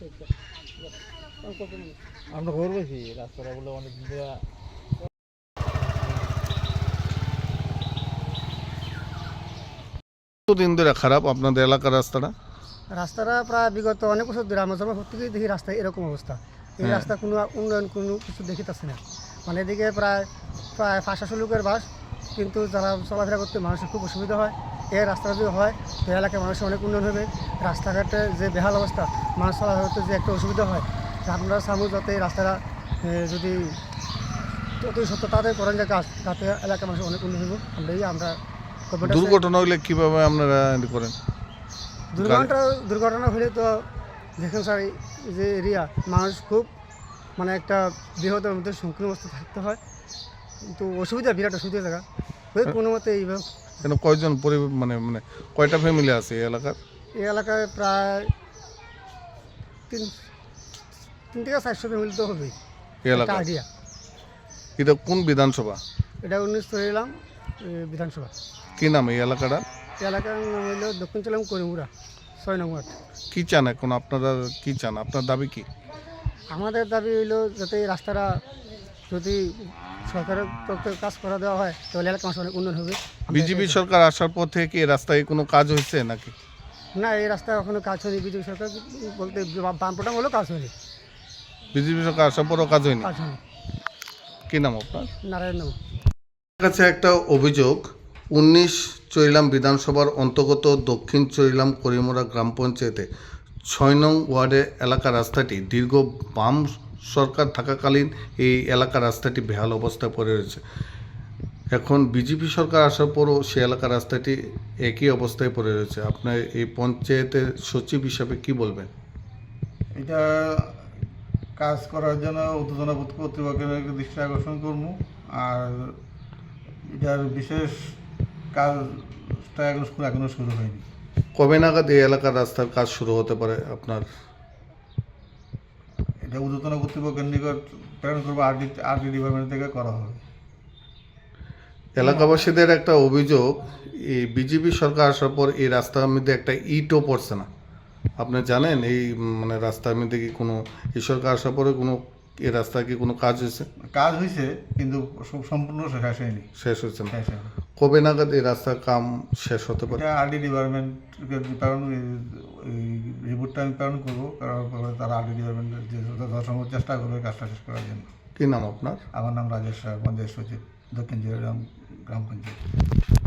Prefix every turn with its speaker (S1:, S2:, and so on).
S1: আমরা খবর পেয়েছি রাস্তাটা বলে অনেক
S2: দিন ধরে খারাপ আপনাদের এলাকার রাস্তাটা?
S3: রাস্তাটা প্রায় বিগত অনেক বছর ধরে আমার জন্ম থেকেই দেখি রাস্তা এরকম অবস্থা। এই রাস্তা কোনো উন্নয়ন কোনো কিছু দেখিতেছে না। মানে এদিকে প্রায় প্রায় 500 লোকের বাস, কিন্তু যারা চলাফেরা করতে মানুষের খুব অসুবিধা হয়। এই রাস্তা যদি হয় তো এলাকায় মানুষের অনেক উন্নয়ন হবে। রাস্তাঘাটে যে বেহাল অবস্থা, মানুষ চলাফেরা করতে যে একটা অসুবিধা হয়, আপনারা সামু যাতে এই রাস্তাটা যদি অতি সত্য তাদের করেন যে কাজ, তাতে এলাকার মানুষের অনেক উন্নয়ন হবে। আমরা
S2: দুর্ঘটনা হলে কিভাবে আপনারা করেন?
S3: দুর্ঘটনা হলে তো দেখেন স্যার, যে এরিয়া মানুষ খুব মানে একটা বৃহত্তর মধ্যে সংকীর্ণ অবস্থা থাকতে হয়, কিন্তু অসুবিধা বিরাট অসুবিধা জায়গা কোনো মতে এইভাবে।
S2: কেন কয়জন মানে মানে কয়টা ফ্যামিলি আছে এই এলাকার?
S3: এই এলাকায় প্রায় 3 থেকে 400 ফ্যামিলি তো হবেই।
S2: এই এলাকা
S3: আইডিয়া।
S2: এটা কোন বিধানসভা?
S3: এটা 19 তরিলাম বিধানসভা।
S2: কি নাম এই এলাকাটা?
S3: এই এলাকার নাম হইল দক্ষিণ চলাম করিমুরা 6 নং ওয়ার্ড।
S2: কি চান এখন আপনারা, কি চান, আপনার দাবি কি?
S3: আমাদের দাবি হইল যাতে এই রাস্তাটা যদি সরকারের পক্ষে কাজ করা দেওয়া হয় তাহলে এলাকার মানুষ অনেক উন্নয়ন হবে।
S2: বিজেপি সরকার আসার পর থেকে এই রাস্তায় কোনো কাজ হয়েছে নাকি?
S3: না, এই রাস্তায় এখনো কাজ হয়নি। বিজেপি সরকার বলতে বামপোটা হলেও কাজ হয়নি।
S2: বিজেপি সরকার আসার পরও কাজ হয়নি?
S3: কাজ হয়নি।
S2: কি নাম আপনার?
S3: নারায়ণ নাম।
S2: কাছে একটা অভিযোগ, 19 চরিলাম বিধানসভার অন্তর্গত দক্ষিণ চরিলাম করিমুরা গ্রাম পঞ্চায়েতে 6 নং ওয়ার্ডের এলাকা রাস্তাটি দীর্ঘ বাম সরকার থাকাকালীন এই এলাকার রাস্তাটি বেহাল অবস্থায় পড়ে রয়েছে। এখন বিজেপি সরকার আসার পরও সে এলাকার রাস্তাটি একই অবস্থায় পড়ে রয়েছে। আপনার এই পঞ্চায়েতের সচিব হিসাবে কি বলবেন?
S4: এটা কাজ করার জন্য উত্তেজনা কর্তৃপক্ষের দৃষ্টি আকর্ষণ করবো। আর এটার বিশেষ কাজটা এখনো শুরু হয়নি।
S2: কবে নাগাদ এই এলাকার রাস্তার কাজ শুরু হতে পারে আপনার?
S4: এটা উত্তেজনা কর্তৃপক্ষের নিকট প্রেরণ করবো, আরটি ডিপার্টমেন্ট থেকে করা হবে।
S2: এলাকাবাসীদের একটা অভিযোগ, এই বিজেপি সরকার আসার পর এই রাস্তার মধ্যে একটা ইটও পড়ছে না। আপনি জানেন এই মানে রাস্তার মধ্যে কি কোনো, এই সরকার আসার পরে কোনো এই রাস্তায় কি কোনো কাজ হয়েছে?
S4: কাজ হয়েছে কিন্তু সম্পূর্ণ শেষ হয়নি।
S2: শেষ হয়েছে না?
S4: শেষ হয়নি।
S2: কবে নাগাদ এই রাস্তার কাম শেষ হতে পারে?
S4: এটা আরটি ডিপার্টমেন্টকে রিপোর্টটা আমি প্রেরণ করবো, করার পরে তারা আরটি ডিপার্টমেন্টের যে যথাসম্ভব চেষ্টা করবে কাজটা শেষ করার জন্য।
S2: কি নাম আপনার?
S4: আমার নাম রাজেশ রায়, পঞ্চায়েত সচিব, দক্ষিণ জেলাগ্রাম গ্রাম পঞ্চায়েত।